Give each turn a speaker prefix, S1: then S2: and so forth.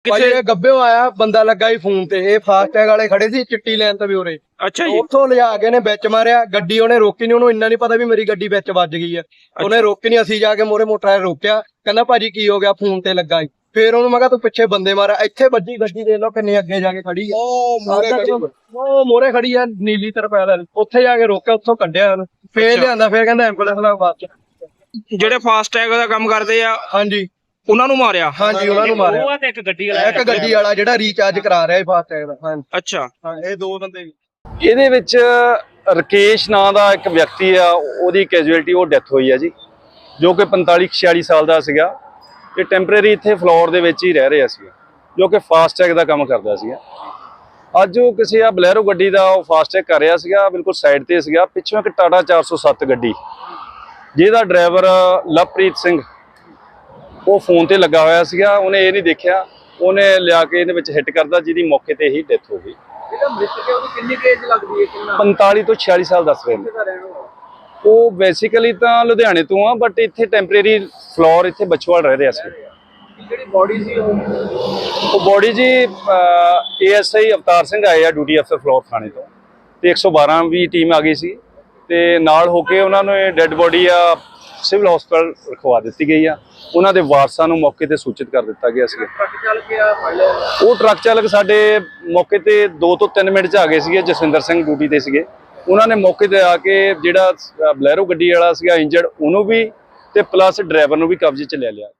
S1: ਭਾਈ ਇਹ ਗੱਬਿਓ ਆਇਆ ਬੰਦਾ ਲੱਗਾ ਹੀ ਫੋਨ ਤੇ, ਇਹ ਫਾਸਟੈਗ ਵਾਲੇ ਖੜੇ ਸੀ ਚਿੱਟੀ ਲਾਈਨ ਤੇ ਵੀ ਉਰੇ।
S2: ਅੱਛਾ ਜੀ।
S1: ਉੱਥੋਂ ਲਿਜਾ ਕੇ ਨੇ ਵਿੱਚ ਮਾਰਿਆ ਗੱਡੀ, ਉਹਨੇ ਰੋਕੀ ਨਹੀਂ, ਉਹਨੂੰ ਇੰਨਾ ਨਹੀਂ ਪਤਾ ਵੀ ਮੇਰੀ ਗੱਡੀ ਵਿੱਚ ਵੱਜ ਗਈ ਆ। ਉਹਨੇ ਰੋਕੀ ਨਹੀਂ, ਅਸੀਂ ਜਾ ਕੇ ਮੋਰੇ ਮੋਟਰ ਰੋਕਿਆ, ਕਹਿੰਦਾ ਭਾਜੀ ਕੀ ਹੋ ਗਿਆ, ਫੋਨ ਤੇ ਲੱਗਾ। ਫੇਰ ਉਹਨੂੰ ਮੈਂ ਕਿਹਾ ਤੂੰ ਪਿੱਛੇ ਬੰਦੇ ਮਾਰਾ, ਇੱਥੇ ਵੱਜੀ ਗੱਡੀ, ਦੇਖ ਲਓ ਕਿੰਨੀ ਅੱਗੇ ਜਾ ਕੇ ਖੜੀ ਆ। ਉਹ ਮੋਰੇ ਖੜੀ ਆ ਨੀਲੀ ਤਰਪਾਲ, ਉੱਥੇ ਜਾ ਕੇ ਰੋਕਿਆ, ਉੱਥੋਂ ਕੱਢਿਆ ਉਹਨੂੰ, ਫੇਰ ਲਿਆਂਦਾ, ਫੇਰ ਕਹਿੰਦਾ ਐਂਬੂਲੈਂਸ ਲਾ ਬਾਅਦ ਚ।
S2: ਜਿਹੜੇ ਫਾਸਟੈਗ ਦਾ ਕੰਮ ਕਰਦੇ ਆ
S1: ਹਾਂਜੀ
S2: ਉਹਨਾਂ ਨੂੰ ਮਾਰਿਆ?
S1: ਹਾਂਜੀ ਉਹਨਾਂ ਨੂੰ ਮਾਰਿਆ।
S3: ਇੱਕ ਗੱਡੀ
S1: ਵਾਲਾ ਜਿਹੜਾ ਰੀਚਾਰਜ ਕਰਾ ਰਿਹਾ ਫਾਸਟੈਗ ਦਾ। ਹਾਂਜੀ
S2: ਅੱਛਾ।
S1: ਹਾਂ, ਇਹ ਦੋ ਬੰਦੇ।
S4: ਇਹਦੇ ਵਿੱਚ ਰਕੇਸ਼ ਨਾਂ ਦਾ ਇੱਕ ਵਿਅਕਤੀ ਆ, ਉਹਦੀ ਕੈਜੂਅਲਟੀ, ਉਹ ਡੈਥ ਹੋਈ ਆ ਜੀ, ਜੋ ਕਿ 45-46 ਸਾਲ ਦਾ ਸੀਗਾ। ਇਹ ਟੈਂਪਰੇਰੀ ਇੱਥੇ ਫਲੋਰ ਦੇ ਵਿੱਚ ਹੀ ਰਹਿ ਰਿਹਾ ਸੀ, ਜੋ ਕਿ ਫਾਸਟੈਗ ਦਾ ਕੰਮ ਕਰਦਾ ਸੀਗਾ। ਅੱਜ ਉਹ ਕਿਸੇ ਆ ਬਲੈਰੋ ਗੱਡੀ ਦਾ ਉਹ ਫਾਸਟੈਗ ਕਰ ਰਿਹਾ ਸੀਗਾ, ਬਿਲਕੁਲ ਸਾਈਡ ਤੇ ਸੀਗਾ। ਪਿੱਛੋਂ ਇੱਕ ਟਾਟਾ 407 ਗੱਡੀ, ਜਿਹਦਾ ਡਰਾਈਵਰ ਲਵਪ੍ਰੀਤ ਸਿੰਘ, ਉਹ ਫੋਨ ਤੇ ਲੱਗਾ ਹੋਇਆ ਸੀਗਾ। ਉਹਨੇ ਇਹ ਨਹੀਂ ਦੇਖਿਆ, ਉਹਨੇ ਲਿਆ ਕੇ ਇਹਦੇ ਵਿੱਚ ਹਿੱਟ ਕਰਦਾ, ਜਿਹਦੀ ਮੌਕੇ ਤੇ ਹੀ ਡੈਥ ਹੋ ਗਈ।
S1: ਇਹਦਾ ਮ੍ਰਿਤਕ ਹੈ, ਉਹਦੀ ਕਿੰਨੀ ਏਜ ਲੱਗਦੀ ਹੈ?
S4: 45 ਤੋਂ 46 ਸਾਲ ਦੱਸ ਰਹੇ ਨੇ। ਉਹ ਬੇਸਿਕਲੀ ਤਾਂ ਲੁਧਿਆਣੇ ਤੋਂ ਆ, ਬਟ ਇੱਥੇ ਟੈਂਪਰੇਰੀ ਫਲੋਰ ਇੱਥੇ ਬਚਵਾਲ ਰਹਿ ਰਿਹਾ ਸੀ।
S1: ਜਿਹੜੀ ਬੋਡੀ ਸੀ
S4: ਉਹ ਬੋਡੀ ਜੀ ASI ਅਵਤਾਰ ਸਿੰਘ ਆਏ ਆ, ਡਿਊਟੀ ਅਫਸਰ ਫਲੋਰ ਥਾਣੇ ਤੋਂ, ਤੇ 112 ਵੀ ਟੀਮ ਆ ਗਈ ਸੀ, ਤੇ ਨਾਲ ਹੋ ਕੇ ਉਹਨਾਂ ਨੂੰ ਇਹ ਡੈੱਡ ਬੋਡੀ ਆ ਸਿਵਲ ਹਸਪਤਾਲ ਰਖਵਾ ਦਿੱਤੀ ਗਈ ਆ। ਉਹਨਾਂ ਦੇ ਵਾਰਸਾਂ ਨੂੰ ਮੌਕੇ ਤੇ ਸੂਚਿਤ ਕਰ ਦਿੱਤਾ ਗਿਆ ਸੀ।
S1: ਟਰੱਕ ਚਾਲਕ ਆ
S4: ਉਹ ਟਰੱਕ ਚਾਲਕ ਸਾਡੇ ਮੌਕੇ ਤੇ 2 ਤੋਂ 3 ਮਿੰਟ 'ਚ ਆ ਗਏ ਸੀਗੇ। ਜਸਵਿੰਦਰ ਸਿੰਘ ਡਿਊਟੀ ਤੇ ਸੀਗੇ, ਉਹਨਾਂ ਨੇ ਮੌਕੇ ਤੇ ਆ ਕੇ ਜਿਹੜਾ ਬਲੈਰੋ ਗੱਡੀ ਵਾਲਾ ਸੀਗਾ ਇੰਜਰਡ, ਉਹਨੂੰ ਵੀ ਤੇ ਪਲੱਸ ਡਰਾਈਵਰ ਨੂੰ ਵੀ ਕਬਜ਼ੇ 'ਚ ਲੈ ਲਿਆ।